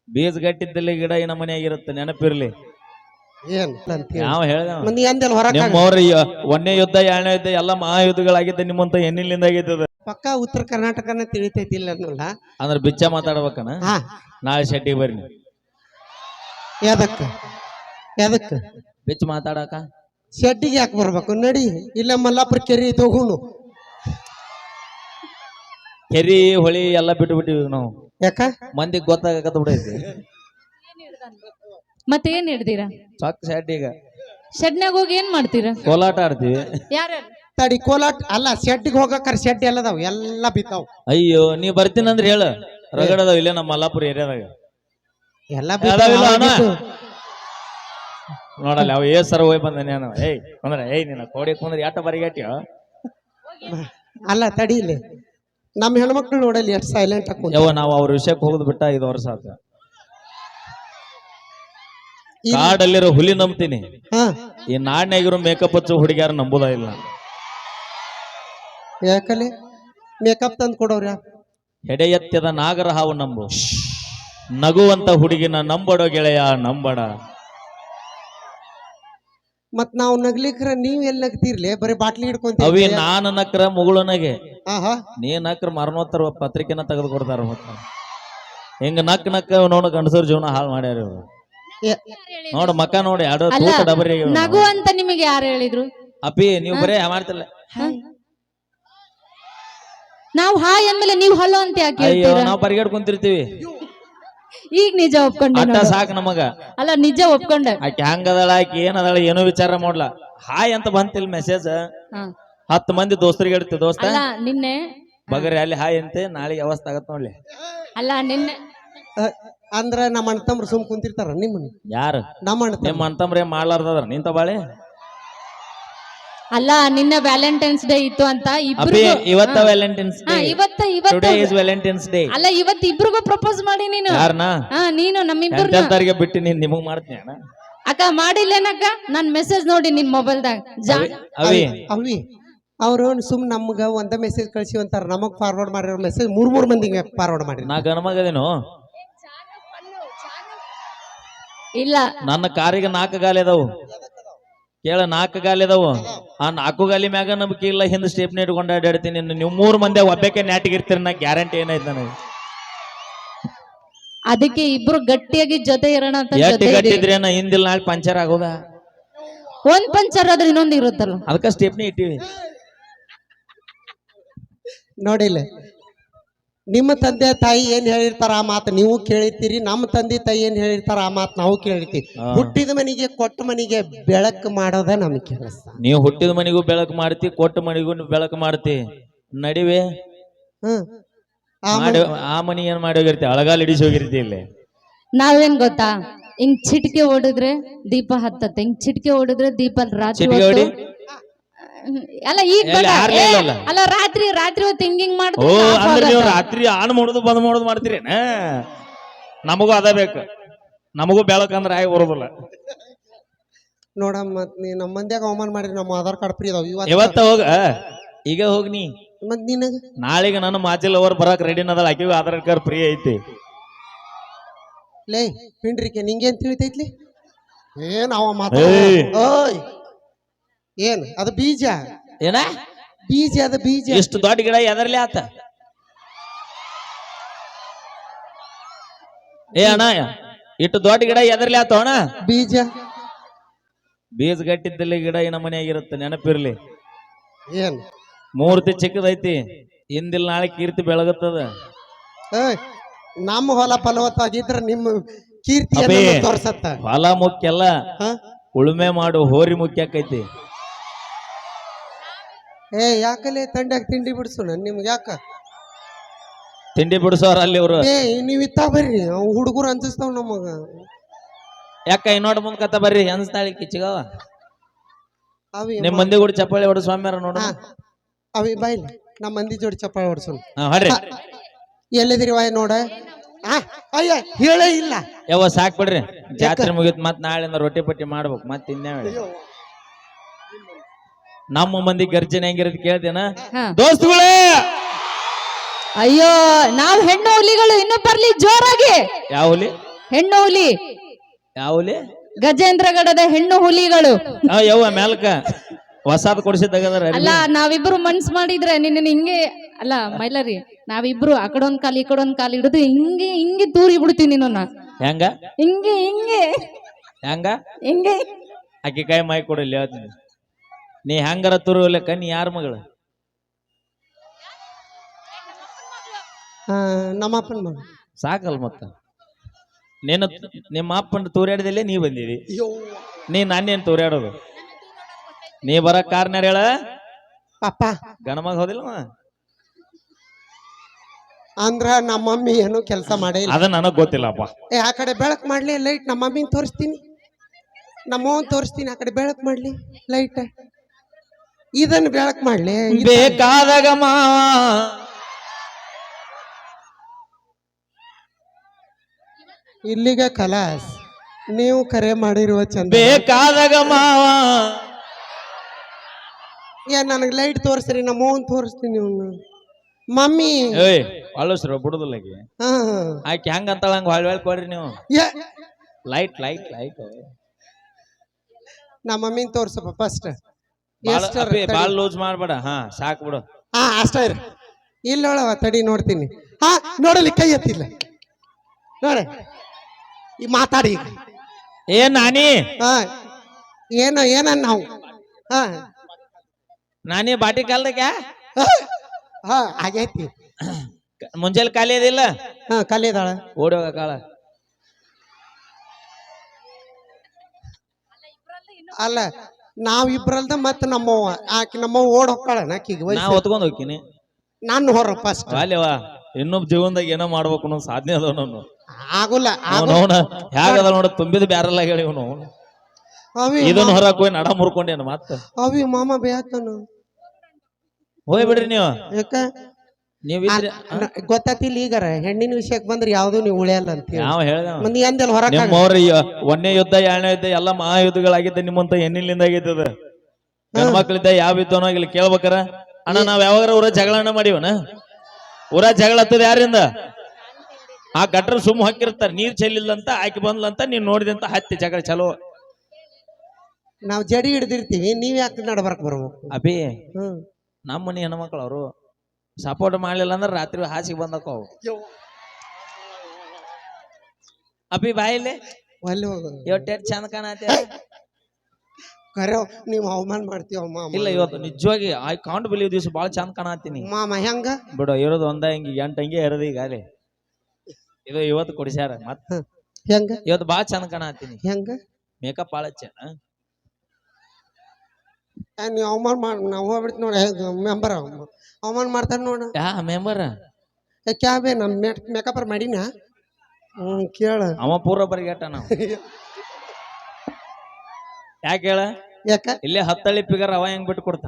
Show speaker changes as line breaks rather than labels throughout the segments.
ಬೀಜ ಗಟ್ಟಿದ್ದಲ್ಲಿ ಗಿಡ ಈ ನಮನೆಯಾಗಿರುತ್ತೆ ನೆನಪಿರ್ಲಿ.
ಏನ್
ಯಾವ ಹೇಳ್ದ
ಮಂದಿ ಅಂದೆಲ್ಲ ಹೊರಕ
ನಿಮ್ಮವ್ರ ಒಂದನೇ ಯುದ್ಧ ಎರಡನೇ ಯುದ್ಧ ಎಲ್ಲ ಮಹಾಯುದ್ಧಗಳಾಗಿದ್ದ ನಿಮ್ಮಂತ ಎಣ್ಣಿಲಿಂದ ಆಗಿದ್ದದ.
ಪಕ್ಕ ಉತ್ತರ ಕರ್ನಾಟಕನ ತಿಳಿತೈತಿಲ್ಲ ಅನ್ನೋಲ್ಲ.
ಅಂದ್ರೆ ಬಿಚ್ಚ ಮಾತಾಡ್ಬೇಕನ.
ಹಾ
ನಾಳೆ ಶೆಟ್ಟಿಗೆ ಬರ್ರಿ ನೀವು.
ಯಾದಕ್ಕ ಯಾದಕ್ಕ
ಬಿಚ್ಚ ಮಾತಾಡಕ
ಶೆಡ್ಡಿಗೆ ಯಾಕೆ ಬರ್ಬೇಕು ನಡಿ. ಇಲ್ಲ ಮಲ್ಲಾಪುರ ಕೆರಿ ತಗೋನು.
ಕೆರಿ ಹೊಳಿ ಎಲ್ಲ ಬಿಟ್ಟು ಬಿಟ್ಟಿವಿ ನಾವು.
ಯಾಕ
ಮಂದಿಗೆ ಗೊತ್ತಾಗತ್ತ ಬಿಡೈತಿ.
ಮತ್ತೇನ್ ಹಿಡ್ದೀರಾ?
ಸಾಕ್ ಶೆಡ್ಡಿಗ
ಶೆಡ್ನಾಗ ಹೋಗಿ ಏನ್ ಮಾಡ್ತೀರಾ?
ಕೋಲಾಟ ಆಡ್ತೀವಿ.
ಯಾರ
ತಡಿ ಕೋಲಾಟ್ ಅಲ್ಲ ಶೆಡ್ಡಿಗೆ ಹೋಗಕ್ಕಾರ ಶೆಡ್ ಎಲ್ಲದಾವ್ ಎಲ್ಲ ಬಿದ್ದಾವ್.
ಅಯ್ಯೋ ನೀ ಬರ್ತೀನಂದ್ರೆ ಹೇಳ ರಗಡದಾವ ಇಲ್ಲೇ ನಮ್ಮ ಮಲ್ಲಾಪುರ ಏರಿಯಾದಾಗ
ಎಲ್ಲ
ಅದಾವಿಲ್ಲ ಅಣ್ಣ?
ಬಿದ್ದಾವ್.
ನೋಡಲ್ಲ ಅವ ಸರ ಹೋಗಿ ಬಂದ ನಾನು. ಏಯ್ ಅಂದ್ರೆ ಏಯ್ ನಿನ್ನ ಕೋಡಿ ಕುಂದ್ರೆ ಯಾಟ ಬರಿಗಟ್ಟಿಯೋ.
ಅಲ್ಲ ತಡಿ ಇಲ್ಲಿ ನಮ್ಮ ಹೆಣ್ಮಕ್ಳು ನೋಡಲಿ ಎಷ್ಟು ಸೈಲೆಂಟ್ ಹಾಕುದು.
ಯವ್ವ ನಾವು ಅವ್ರ ವಿಷಯಕ್ಕೆ ಹೋಗುದು ಬಿಟ್ಟ 5 ವರ್ಷ ಆತ. ಕಾಡಲ್ಲಿರೋ ಹುಲಿ ನಂಬ್ತೀನಿ,
ಹಾ
ಈ ನಾಡ್ನಾಗಿರೋ ಮೇಕಪ್ ಹಚ್ಚು ಹುಡುಗಿಯಾರ ನಂಬುದ ಇಲ್ಲ.
ಯಾಕಲೆ ಮೇಕಪ್ ತಂದು ಕೊಡೋರ.
ಹೆಡೆ ಎತ್ತದ ನಾಗರ ಹಾವು ನಂಬು, ನಗುವಂತ ಹುಡುಗಿನ ನಂಬಡೋ ಗೆಳೆಯ ನಂಬಡ.
ಮತ್ ನಾವು ನಗ್ಲಿಕ್ರ ನೀವ್ ಎಲ್ಲಿ ನಗ್ತಿರ್ಲಿ ಬರೀ ಬಾಟ್ಲಿ ಹಿಡ್ಕೊಂತ.
ಅವಿ ನಾನು ನಕ್ರ ಮುಗುಳನಗೆ,
ಆಹಾ
ನೀ ನಕ್ರ ಮರಣೋತ್ತರ ಪತ್ರಿಕೆನ ತೆಗೆದು ಕೊಡ್ತಾರ. ಮತ್ತ ಹಿಂಗ ನಕ್ ನೋಡ ಗಂಡಸರ ಜೀವನ ಹಾಳು ಮಾಡ್ಯಾರ ಇವ್ರು. ನೋಡು ಮಕ್ಕ ನೋಡಿ ಎರಡು
ಅಲ್ಲ,
ತೂಕ ಡಬರಿ
ನಗು ಅಂತ ನಿಮಗೆ ಯಾರು ಹೇಳಿದ್ರು?
ಅಪ್ಪಿ ನೀವು ಬರೇ ಮಾಡ್ತಿಲ್ಲ.
ನಾವು ಹಾಯ್ ಅಂದ್ಮೇಲೆ ನೀವು ಹಲೋ ಅಂತ ಯಾಕೆ
ಅಯ್ಯೋ
ಹೇಳ್ತೀರಾ?
ನಾವ್ ಪರಿಗಡ್ ಕುಂತಿರ್ತೀವಿ.
ಈಗ ನಿಜ ಒಪ್ಕೊಂಡೆ
ಅಟ್ಟ
ನೋಡು.
ಸಾಕ್ ನಮಗ.
ಅಲ್ಲ ನಿಜ ಒಪ್ಕೊಂಡೆ.
ಆಕೆ ಹೆಂಗದಳ ಆಕಿ ಏನದಳ ಏನೋ ವಿಚಾರ ಮಾಡ್ಲಾ. ಹಾಯ್ ಅಂತ ಬಂತಿಲ್ ಮೆಸೇಜ್.
ಹಾ.
10 ಮಂದಿ ದೋಸ್ತರಿಗೆ ಹೇಳ್ತೀವಿ, ದೋಸ್ತ
ಅಲ್ಲ ನಿನ್ನೆ
ಬಗರಿ ಅಲ್ಲಿ ಹಾಯ್ ಅಂತೆ ನಾಳೆಗೆ ಅವಸ್ಥೆ ಆಗತ್ ನೋಡ್ಲಿ.
ಅಲ್ಲ ನಿನ್ನೆ
ಅಂದ್ರ ನಮ್ಮ ಅಣ್ಣ ತಮ್ರು ಸುಮ್ ಕುಂತಿರ್ತಾರ ನಿಮ್ಮನ್ನ.
ಯಾರು
ನಮ್ಮ ಅಣ್ಣ
ನಿಮ್ಮ ಅಂತಂಬ್ರೆ ಮಾಡ್ಲಾರ್ದದ್ರ ನಿಂತ ಬಾಳೆ.
ಅಲ್ಲ ನಿನ್ನೆ ವ್ಯಾಲೆಂಟೈನ್ಸ್ ಡೇ ಇತ್ತು ಅಂತ
ಅಪ್ಪಿ
ಇಬ್ರಿಗೂ
ಇವತ್ತ ವ್ಯಾಲೆಂಟೈನ್ಸ್ ಡೇ.
ಇವತ್ತ
ಟುಡೇ ಇಸ್ ವ್ಯಾಲೆಂಟೈನ್ಸ್ ಡೇ.
ಅಲ್ಲ ಇವತ್ತು ಇಬ್ರಿಗೂ ಪ್ರಪೋಸ್ ಮಾಡಿ ನೀನು.
ಯಾರನ
ನೀನು ನಮ್ಮಿಬ್ಬರು
ಎಂತೆಂತರಿಗೆ ಬಿಟ್ಟು ನೀನ್ ನಿಮಗ್ ಮಾಡ್ತೀನಿ ಅಣ್ಣ.
ಅಕ್ಕ ಮಾಡಿಲ್ಲೇನಕ್ಕ? ನನ್ ಮೆಸೇಜ್ ನೋಡಿ ನಿನ್ ಮೊಬೈಲ್ದಾಗ.
ಅವಿ
ಅವಿ ಅವ್ರು ಸುಮ್ ನಮ್ಗ ಒಂದ ಮೆಸೇಜ್ ಕಳ್ಸಿ ಅಂತಾರ. ನಮಗ್ ಫಾರ್ವರ್ಡ್ ಮಾಡಿರೋ ಮೆಸೇಜ್ 3 ಮಂದಿಗೆ ಫಾರ್ವರ್ಡ್ ಮಾಡಿ.
ನಾ ಗಣಮಗದೇನು.
ಇಲ್ಲ
ನನ್ನ ಕಾರಿಗೆ 4 ಗಾಲಿ ಅದಾವು. ಕೇಳ 4 ಗಾಲಿ ಅದಾವು. ಆ 4 ಗಾಲಿ ಮ್ಯಾಗ ನಂಬಿಕೆ ಇಲ್ಲ. ಹಿಂದ್ ಸ್ಟೇಪ್ನಿ ಇಟ್ಕೊಂಡು ಅಡ್ಡಾಡ್ತೀನಿ. ನೀವು 3 ಮಂದಿ ಒಬ್ಬಕ್ಕೆ ನ್ಯಾಟಿಗಿರ್ತೀರಿ. ನಾ ಗ್ಯಾರಂಟಿ ಏನೈತೆ ನನಗೆ.
ಅದಕ್ಕೆ ಇಬ್ರು ಗಟ್ಟಿಯಾಗಿ ಜೊತೆ ಇರೋಣ ಅಂತ
ಎಷ್ಟು
ಜೊತೆ
ಗಟ್ಟಿದ್ರೇನ ಹಿಂದಿಲ್ ನಾಳೆ ಪಂಚರ್ ಆಗೋದ.
ಒಂದ್ ಪಂಚರ್ ಆದ್ರೆ ಇನ್ನೊಂದು ಇರುತ್ತಲ್ಲ.
ಅದಕ್ಕ ಸ್ಟೇಪ್ನಿ ಇಟ್ಟಿವಿ.
ನೋಡಿಲ್ಲ ನಿಮ್ಮ ತಂದೆ ತಾಯಿ ಏನ್ ಹೇಳಿರ್ತಾರ ಆ ಮಾತು ನೀವು ಕೇಳಿರ್ತೀರಿ. ನಮ್ಮ ತಂದೆ ತಾಯಿ ಏನ್ ಹೇಳಿರ್ತಾರ ಆ ಮಾತು ನಾವು ಕೇಳಿರ್ತೀವಿ. ಹುಟ್ಟಿದ ಮನೆಗೆ ಕೊಟ್ಟ ಮನೆಗೆ ಬೆಳಕು ಮಾಡೋದ ನಮ್ ಕೆಲಸ.
ನೀವು ಹುಟ್ಟಿದ ಮನೆಗೂ ಬೆಳಕು ಮಾಡ್ತಿ, ಕೊಟ್ಟ ಮನೆಗೂ ಬೆಳಕು ಮಾಡ್ತಿ. ನಡಿವೆ ಆ ಮನಿ ಏನ್ ಮಾಡಿ ಹೋಗಿರ್ತಿ, ಅಳಗಾಲ್ ಹಿಡಿಸಿ ಹೋಗಿರ್ತಿ. ಇಲ್ಲಿ
ನಾವೇನ್ ಗೊತ್ತಾ, ಹಿಂಗ್ ಚಿಟಿಕೆ ಓಡಿದ್ರೆ ದೀಪ ಹತ್ತತ್ತೆ, ಹಿಂಗ್ ಚಿಟಿಕೆ ಓಡಿದ್ರೆ ದೀಪ ರಾತ್ರಿ
ಚಿಟಿಕೆ
ಹೊತ್ತು
ಹೊಡಿ.
ಅಲ್ಲ ಈಗ ಬೇಡ.
ಎಲ್ಲಿ ಯಾರ್ಲೇ ಇಲ್ಲಲ್ಲ?
ಅಲ್ಲ ರಾತ್ರಿ ಹೊತ್ತು ಹಿಂಗಿಂಗ್
ಓ
ಮಾಡಿದ್ರೆ
ಅಂದ್ರೆ ನೀವು ರಾತ್ರಿ ಆನ್ ಮಾಡೋದು ಬಂದ್ ಮಾಡೋದು ಮಾಡ್ತೀರೇನ? ನಮಗೂ ಅದ ಬೇಕು. ನಮಗೂ ಬೆಳಕಂದ್ರೆ ಆಗಿ ಬರೋದಿಲ್ಲ.
ನೋಡಮ್ಮ ಮತ್ ನೀ ನಮ್ಮ ಮಂದ್ಯಾಗ ಅವಮಾನ ಮಾಡಿರಿ. ನಮ್ಮ ಆಧಾರ್ ಕಾರ್ಡ್ ಫ್ರೀ ಅದಾವ
ಇವತ್ತ ಹೋಗ. ಈಗ ಹೋಗ್ನಿ.
ಮತ್ ನಿನಗ
ನಾಳೆಗೆ ನನ್ನ ಮಾಚಿಲ್ ಅವ್ರು ಬರಕ್ ರೆಡಿ ಅದಲ್ಲ. ಆಕಿಗೂ ಆಧಾರ್ ಕಾರ್ಡ್ ಫ್ರೀ ಐತಿ.
ಲೇ ಪಿಂಡ್ರಿಕೆ ನಿಂಗೇನ್ ತಿಳಿತೈತ್ಲಿ? ಏನ್ ಅವ ಮಾತ
ಏಯ್.
ಓಯ್ ಏನ್ ಅದು ಬೀಜ.
ಏನ
ಬೀಜ ಅದ ಬೀಜ.
ಇಷ್ಟು ದೊಡ್ಡ ಗಿಡ ಎದರ್ಲಿ ಆತ? ಏ ಅಣ್ಣ ಇಟ್ಟು ದೊಡ್ಡ ಗಿಡ ಎದರ್ಲಿ ಆತ ಅಣ್ಣ?
ಬೀಜ
ಬೀಜ ಗಟ್ಟಿದ್ದಲ್ಲಿ ಗಿಡ ಈ ನಮನೆಯಾಗಿರುತ್ತೆ ನೆನಪಿರ್ಲಿ.
ಏನ್
ಮೂರ್ತಿ ಚಿಕ್ಕದೈತಿ. ಹಿಂದಿಲ್ ನಾಳೆ ಕೀರ್ತಿ ಬೆಳಗುತ್ತದ.
ಏಯ್ ನಮ್ಮ ಹೊಲ ಫಲವತ್ತಾಗಿದ್ರ ನಿಮ್ಮ ಕೀರ್ತಿ
ಅಬೇ.
ತೋರ್ಸತ್ತ.
ಹೊಲ ಮುಖ್ಯ ಅಲ್ಲ, ಉಳುಮೆ ಮಾಡು ಹೋರಿ ಮುಖ್ಯ ಆಕೈತಿ.
ಏ ಯಾಕಲೆ ತಂಡ್ಯಾಗ ತಿಂಡಿ ಬಿಡ್ಸೋಣ ನಿಮ್ಗೆ ಯಾಕ?
ತಿಂಡಿ ಬಿಡಿಸೋರ ಅಲ್ಲಿ ಇವ್ರು.
ಏ ನೀವ್ ಇತ್ತ ಬರ್ರಿ ಹುಡುಗರು ಅನ್ಸಿಸ್ತಾವ್ ನಮಗ.
ಯಾಕ ಇನ್ನೋಡ್ ಮುಂದ್ ಕತ್ತ ಬರ್ರಿ ಅನ್ಸ್ತಾಳಿ ಕಿಚ್ಚಿಗವ.
ಅವಿ
ನಿಮ್ ಮಂದಿ ಕೂಡ ಚಪ್ಪಾಳಿ ಹೊಡ ಸ್ವಾಮ್ಯಾರ ನೋಡ.
ಅವಿ ಬಾಯ್ಲಿ ನಮ್ಮ ಮಂದಿ ಜೋಡಿ ಚಪ್ಪಾಳೆ ಹೊಡ್ಸೋಣ.
ಹೊಡ್ರಿ.
ಎಲ್ಲಿದಿರಿ ವಾಯ್ ನೋಡ. ಅಯ್ಯ ಹೇಳೇ ಇಲ್ಲ.
ಯಾವ ಸಾಕ್ ಬಿಡ್ರಿ. ಜಾತ್ರೆ ಮುಗಿತ್ ಮತ್ ನಾಳೆಯಿಂದ ರೊಟ್ಟಿ ಪಟ್ಟಿ ಮಾಡ್ಬೇಕು. ಮತ್ ಇನ್ನೇಳಿ ನಮ್ಮ ಮಂದಿ ಗರ್ಜನೆ ಹೆಂಗಿರೋದು ಕೇಳ್ತೇನ ದೋಸ್ತುಗಳೇ?
ಅಯ್ಯೋ ನಾವ್ ಹೆಣ್ಣು ಹುಲಿಗಳು ಇನ್ನೂ ಬರ್ಲಿ ಜೋರಾಗಿ.
ಯಾವ ಹುಲಿ?
ಹೆಣ್ಣು ಹುಲಿ,
ಯಾವಲಿ
ಗಜೇಂದ್ರಗಡದ ಹೆಣ್ಣು ಹುಲಿಗಳು.
ಯವ್ವ ಮ್ಯಾಲ್ಕ ಹೊಸಾದ್ ಕೊಡಿಸಿದ್ದಾಗದಾರ
ಅಲ್ಲ ನಾವಿಬ್ರು ಮನ್ಸ್ ಮಾಡಿದ್ರೆ ನಿನ್ನ ಹಿಂಗೆ ಅಲ್ಲ ಮೈಲರಿ, ನಾವಿಬ್ರು ಆ ಕಡೊಂದ್ ಕಾಲ್ ಈ ಕಡೊಂದ್ ಕಾಲ್ ಹಿಡಿದು ಹಿಂಗೆ ಹಿಂಗೆ ತೂರಿ ಬಿಡ್ತೀವಿ ನಿನ್ನ.
ಹೆಂಗ
ಹಿಂಗೆ ಹಿಂಗೆ
ಹೆಂಗ
ಹಿಂಗೆ
ಅಕ್ಕಿ ಕಾಯಿ ಮಾಯಿ ಕೊಡಿಲ್ಲ ಹೇಳ್ತೀನಿ. ನೀ ಹೆಂಗಾರ ತುರುವಲೆಕ್ಕ ನೀ ಯಾರ ಮಗಳು?
ನಮ್ಮಪ್ಪನ ಮಗ.
ಸಾಕಲ್ ಮತ್ತ ನೀನು ನಿಮ್ಮ ಅಪ್ಪನ ತೂರ್ಯಾಡದಲ್ಲೇ ನೀ ಬಂದಿದಿ. ನೀ ನಾನೇನ್ ತೂರ್ಯಾಡೋದು? ನೀ ಬರ ಕಾರ್ನಾರ ಹೇಳ
ಪಾಪ
ಗಣಮಗ ಹೋದಿಲ್ಲವ
ಅಂದ್ರ ನಮ್ಮ ಮಮ್ಮಿ ಏನು ಕೆಲಸ ಮಾಡೇ ಇಲ್ಲ.
ಅದ ನನಗ್ ಗೊತ್ತಿಲ್ಲಪ್ಪ.
ಆ ಕಡೆ ಬೆಳಕ್ ಮಾಡ್ಲಿ ಲೈಟ್, ನಮ್ಮ ಮಮ್ಮಿನ ತೋರಿಸ್ತೀನಿ, ನಮ್ಮವನ್ ತೋರಿಸ್ತೀನಿ. ಆ ಕಡೆ ಬೆಳಕ್ ಮಾಡ್ಲಿ ಲೈಟ್, ಇದನ್ನ ಬೆಳಕ್ ಮಾಡ್ಲಿ.
ಬೇಕಾದಾಗ ಮಾವ
ಇಲ್ಲಿಗೆ ಕಲಾಸ್, ನೀವು ಕರೆ ಮಾಡಿರುವ ಚಂದ.
ಬೇಕಾದಾಗ ಮಾವ
ಏನ್ ನನಗೆ ಲೈಟ್ ತೋರಿಸ್ರಿ, ನಮ್ಮವನ್ ತೋರಿಸ್ತೀನಿ. ಅವ್ನು ಮಮ್ಮಿ
ಏಯ್ ಅಳಸ್ರ ಬಿಡುದಿಲ್ಲ ಆಕಿ.
ಹಾ
ಆಕಿ ಹೆಂಗ ಅಂತಾಳ ಹಂಗ ಹೊಳ್ ಕೊಡ್ರಿ ನೀವು. ಲೈಟ್ ಲೈಟ್ ಲೈಟ್
ನಮ್ಮ ಮಮ್ಮಿನ ತೋರ್ಸಪ್ಪ ಫಸ್ಟ್.
ಬಾಳ್ ಲೂಸ್ ಮಾಡ್ಬೇಡ. ಹಾ ಸಾಕ್ ಬಿಡು.
ಹಾ ಅಷ್ಟ ಇರ. ಇಲ್ಲೊಳವ ತಡಿ ನೋಡ್ತೀನಿ. ಹಾ ನೋಡಲಿ, ಕೈ ಎತ್ತಿಲ್ಲ ನೋಡ. ಈ ಮಾತಾಡಿ
ಏನ್ ನಾನಿ
ಹಾ ಏನ ನಾವು ಹಾ
ನಾನಿ ಬಾಟಿ ಕಾಲ್ದಾಗ
ಹಾ ಆಗೈತಿ.
ಮುಂಜಾನೆ ಖಾಲಿ ಅದಿಲ್ಲ?
ಹಾ ಕಲಿದಾಳ,
ಓಡಿ ಹೋಗ ಕಾಳ.
ಅಲ್ಲ ನಾವಿಬ್ರಲ್ದ ಮತ್ತ ನಮ್ಮವ್ವ, ಆಕಿ ನಮ್ಮವ್ವ ಓಡ್ ಹೊಕ್ಕಾಳ. ಆಕಿಗೆ
ನಾ ಹೊತ್ಕೊಂಡ್ ಹೋಗ್ತೀನಿ.
ನಾನು ಹೊರ ಫಸ್ಟ್.
ಅಲ್ಲೇವಾ ಇನ್ನೊಬ್ಬ ಜೀವನದಾಗ ಏನೋ ಮಾಡ್ಬೇಕು ಅನ್ನೋ ಸಾಧನೆ ಅದ ನಾನು.
ಆಗುಲ್ಲ
ಹೇಗದ ನೋಡ, ತುಂಬಿದ ಬ್ಯಾರಲ್ಲ ಹೇಳಿ ಇವನು. ಇದನ್ನ ಹೊರಕ್ ಹೋಗಿ ನಡ ಮುರ್ಕೊಂಡೇನು ಮತ್ತ.
ಅವಿ ಮಾಮ ಬೇಕನು
ಹೋಯ್ ಬಿಡ್ರಿ ನೀವು.
ಯಾಕ
ನೀವಿದ್ರಿ
ಗೊತ್ತಿಲ್ಲ. ಈಗಾರ ಹೆಣ್ಣಿನ ವಿಷಯಕ್ಕೆ ಬಂದ್ರೆ ಯಾವ್ದು ನೀವು ಉಳಿಯಲ್ಲ ಅಂತ
ಯಾವ ಹೇಳ್ದ
ಮಂದಿ ಅಂದೆಲ್ಲ ಹೊರ.
ನಿಮ್ಮವ್ರ ಒಂದನೇ ಯುದ್ಧ, ಎರಡನೇ ಯುದ್ಧ ಎಲ್ಲ ಮಹಾಯುದ್ಧಗಳಾಗಿದ್ದ ನಿಮ್ಮಂತ ಹೆಣ್ಣಿನಿಂದ ಆಗೈತದ. ಹೆಣ್ಮಕ್ಳಿದ್ದ ಯಾವ ಯುದ್ಧನೋ ಇಲ್ಲಿ ಕೇಳ್ಬೇಕಾರ. ಅಣ್ಣ ನಾವ್ ಯಾವಾಗಾರ ಊರ ಜಗಳನ್ನ ಮಾಡಿವನ? ಊರ ಜಗಳ ಹತ್ತದ ಯಾರಿಂದ? ಆ ಗಟ್ರ ಸುಮ್ಮ ಹಾಕಿರ್ತಾರ, ನೀರ್ ಚೆಲ್ಲಿಲ್ಲಂತ ಆಕಿ ಬಂದ್ಲಂತ ನೀನ್ ನೋಡಿದಂತ ಹತ್ತಿ ಜಗಳ ಚಲೋ.
ನಾವ್ ಜಡಿ ಹಿಡ್ದಿರ್ತೀವಿ, ನೀವ್ ಯಾಕೆ ನಡ್ಬರ್ಕ್ ಬರ್ಬೇಕು?
ಅಭಿ ನಮ್ಮ ಮನಿ ಹೆಣ್ಮಕ್ಳು ಅವರು ಸಪೋರ್ಟ್ ಮಾಡ್ಲಿಲ್ಲ ಅಂದ್ರೆ ರಾತ್ರಿ ಹಾಸಿಗೆ ಬಂದಕ್ಕ ಅವು. ಅಭಿ ಬಾಯಿಲೆ
ಅಲ್ಲಿ ಹೋಗ
ಇವತ್ತು ಚಂದ ಕಾಣತ್ತೆ.
ಕರೆ ನೀವ್ ಅವಮಾನ ಮಾಡ್ತೀವ
ಇಲ್ಲ ಇವತ್ತು ನಿಜವಾಗಿ ಐ ಕಾಂಟ್ ಬಿಲೀವ್ ದಿವಸ ಬಾಳ ಚಂದ ಕಾಣತ್ತೀನಿ
ಮಾಮ. ಹೆಂಗ
ಬಿಡು, ಇರೋದು ಒಂದ ಹಿಂಗಿ 8 ಅಂಗಿ ಇರೋದು ಈಗ ಅಲ್ಲಿ. ಇದು ಇವತ್ತು ಕೊಡಿಸ್ಯಾರ ಮತ್ತ.
ಹೆಂಗ
ಇವತ್ತು ಬಾಳ ಚಂದ ಕಾಣತ್ತೀನಿ.
ಹೆಂಗ
ಮೇಕಪ್ ಬಾಳ ಚೆನ್ನ.
ನೀವ್ ಅವಮಾನ ಮಾಡ, ನಾವ್ ಹೋಗ್ಬಿಡ್ತಿ ನೋಡ. ಮೆಂಬರ್ ಅವಮಾನ ಮಾಡ್ತಾರ ನೋಡ.
ಯಾ ಮೆಂಬರ್
ಕ್ಯಾಬೆ ನಮ್ ಮೇಕಪ್ ಮಾಡಿನ. ಕೇಳ
ಅವ ಪೂರ ಬರಿಗೇಟ ನಾವು. ಯಾಕೆ ಹೇಳ?
ಯಾಕ
ಇಲ್ಲೇ 10 ಹಳ್ಳಿ ಪಿಗರ್ ಅವ ಹೆಂಗ್ ಬಿಟ್ಟು ಕೊಡ್ತಾನ?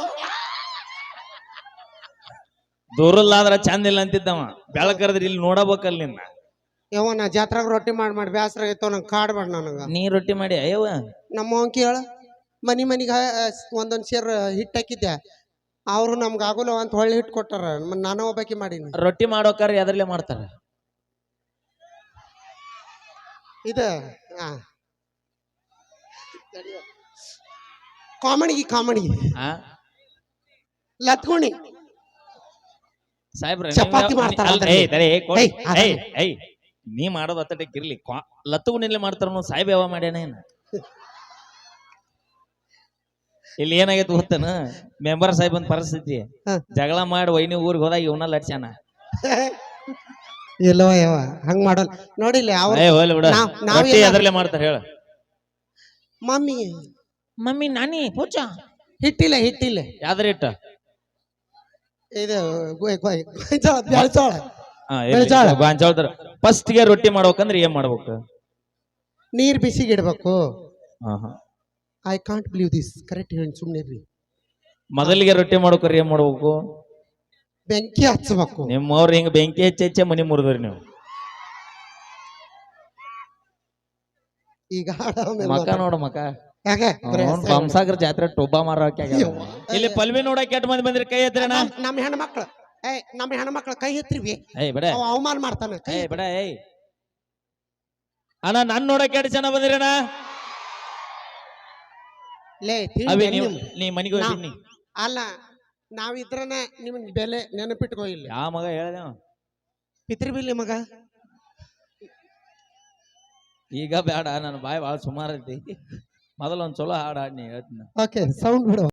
ದೂರಲ್ಲಾದ್ರ ಚಂದ ಇಲ್ಲ ಅಂತಿದ್ದವ. ಬೆಳಕರದ್ರಿ ಇಲ್ಲಿ ನೋಡಬೇಕಲ್ಲ ನಿನ್ನ.
ಯಾವ ನಾ ಜಾತ್ರಾಗ ರೊಟ್ಟಿ ಮಾಡಿ ಬ್ಯಾಸರ ಆಗೈತವ. ನಂಗೆ ಕಾಡ್ಬೇಡ ನನಗ.
ನೀ ರೊಟ್ಟಿ ಮಾಡಿ ಅಯ್ಯವ
ನಮ್ಮ ಕೇಳ ಮನಿಗ ಒಂದೊಂದ್ ಸೇರ್ ಹಿಟ್ ಹಾಕಿದ್ದೆ. ಅವ್ರು ನಮ್ಗ ಆಗೋಲ್ಲ ಅಂತ ಹೊಳ್ಳಿ ಹಿಟ್ ಕೊಟ್ಟಾರ. ನಾನು ಒಬ್ಬಾಕಿ ಮಾಡೀನಿ.
ರೊಟ್ಟಿ ಮಾಡೋಕಾರ ಎದ್ರಲ್ಲೇ ಮಾಡ್ತಾರ.
ಇದ ಕಾಮಿಡಿ ಲತ್ಗುಣಿ
ಸಾಹೇಬ್ರ
ಚಪಾತಿ ಮಾಡ್ತಾರ.
ನೀ ಮಾಡೋದು ಅತ್ತಟಕ್ಕೆ ಇರ್ಲಿ. ಲತ್ತುಗುಣಿಲೆ ಮಾಡ್ತಾರ. ಸಾಹೇಬ್ ಯಾವ ಮಾಡ್ಯಾನ ಏನ? ಇಲ್ಲಿ ಏನಾಗೈತಿ ಗೊತ್ತನ? ಮೆಂಬರ್ ಸಾಹೇಬ್ ಪರಿಸ್ಥಿತಿ ಜಗಳ ಮಾಡಿ ವೈನಿ ಊರಿಗೆ ಹೋದಾಗ ಇವನ ಲಟ್ಸ್ಯಾನ.
ಇಲ್ಲವ ಯಾವ ಹಂಗ ಮಾಡಲ್ಲ ನೋಡಿಲ್ಲ.
ಎದ್ರಲ್ಲೇ ಮಾಡ್ತಾರ ಹೇಳ.
ಮಮ್ಮಿ
ನಾನಿ ಪೂಜಾ
ಹಿಟ್ಟಿಲ್ಲ
ಯಾವ್ದ್ರ ಇಟ್ಟ
ಇದು
ಗಾಂಜಾಳ. ಫಸ್ಟ್ ಗೆ ರೊಟ್ಟಿ ಮಾಡ್ಬೇಕಂದ್ರೆ ಏನ್ ಮಾಡ್ಬೇಕು?
ನೀರ್ ಬಿಸಿಗೆ ಇಡ್ಬೇಕು. I can't believe this. Correct ಹೇಳಿ ಸುಮ್ನೆ ಇರ್ರಿ.
ಮೊದಲಿಗೆ ರೊಟ್ಟಿ ಮಾಡ್ಬೇಕ್ರಿ ಏನ್ ಮಾಡ್ಬೇಕು?
ಬೆಂಕಿ ಹಚ್ಚಬೇಕು.
ನಿಮ್ಮವ್ರ ಹಿಂಗ ಬೆಂಕಿ ಹೆಚ್ಚೆ ಮನಿ ಮುರಿದ್ರಿ ನೀವು.
ಈಗ
ಮಕ ನೋಡ ಮಕ.
ಯಾಕೆ
ಬಂಸಾಗರ ಜಾತ್ರೆ ಟೊಬ್ಬ ಮಾರೋಕೆ ಇಲ್ಲಿ ಪಲ್ವಿ ನೋಡಕ್ ಕೆಟ್ಟ ಮಂದಿ ಬಂದ್ರಿ ಕೈ ಎತ್ತಿರಣ.
ನಮ್ಮ ಹೆಣ್ಮಕ್ಳು ಕೈ ಎತ್ತಿರಿ.
ಏಯ್ ಬಿಡ
ಅವಮಾನ ಮಾಡ್ತಾನ.
ಏಯ್ ಬಿಡ. ಏಯ್ ಅಣ್ಣ ನನ್ ನೋಡಕ್ ಎರಡು ಜನ ಬಂದಿರಣ್ಣ.
ಲೇ
ಅವಿ
ತಿಂಡಿ
ನೀವು
ನಿಮ್-
ನೀ ಮನಿಗೆ ಹೋಗ್ತೀನಿ.
ಅಲ್ಲ ನಾವಿದ್ರನ ನಿಮ್ ಬೆಲೆ ನೆನಪಿಟ್ಕೋ ಇಲ್ಲ.
ಯಾವ ಮಗ ಹೇಳ್ದೆ
ಪಿತೃಬಿಲ್ಲಿ ಮಗ
ಈಗ ಬೇಡ, ನನ್ನ ಬಾಯಿ ಭಾಳ ಸುಮಾರು ಐತಿ. ಮೊದಲ ಒಂದ್ ಚಲೋ ಹಾಡು ಹಾಡ್ನಿ ಹೇಳ್ತೀನಿ.
ಓಕೆ ಸೌಂಡ್ ಬಿಡು.